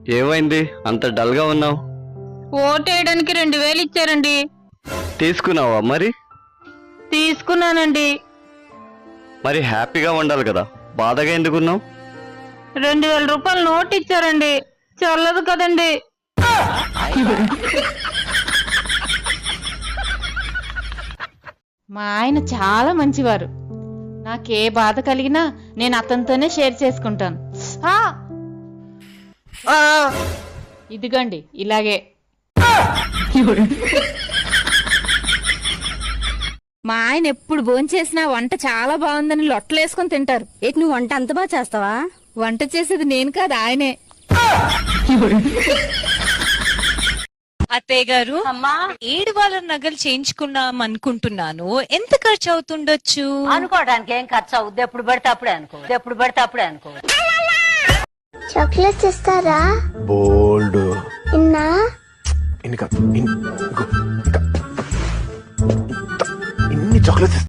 ఏమైంది అంత డల్ గా ఉన్నావు? ఓటేయడానికి 2000 ఇచ్చారండి. తీసుకున్నావా మరి? తీసుకున్నానండి. మరి హ్యాపీగా ఉండాలి కదా, బాధగా ఎందుకున్నావు? 2000 రూపాయలు నోట్ ఇచ్చారండి. చల్లదు కదండి. మా ఆయన చాలా మంచివారు. నాకే బాధ కలిగినా నేను అతనితోనే షేర్ చేసుకుంటాను. ఇదిగోండి ఇలాగే. మా ఆయన ఎప్పుడు భోంచేసినా వంట చాలా బాగుందని లొట్టలేసుకొని తింటారు. ఏంటి నువ్వు వంట అంత బాగా చేస్తావా? వంట చేసేది నేను కాదు, ఆయనే. అత్తయ్య గారు, 7 వారాల నగలు చేయించుకున్నాం అనుకుంటున్నాను. ఎంత ఖర్చు అవుతుండొచ్చు? అనుకోవడానికి ఏం ఖర్చు అవుద్ది? ఎప్పుడు పడితే అప్పుడే అనుకో. చాక్లెట్స్ ఇస్తారా? బోల్డ్ ఇన్నా ఇన్ని చాక్లెట్స్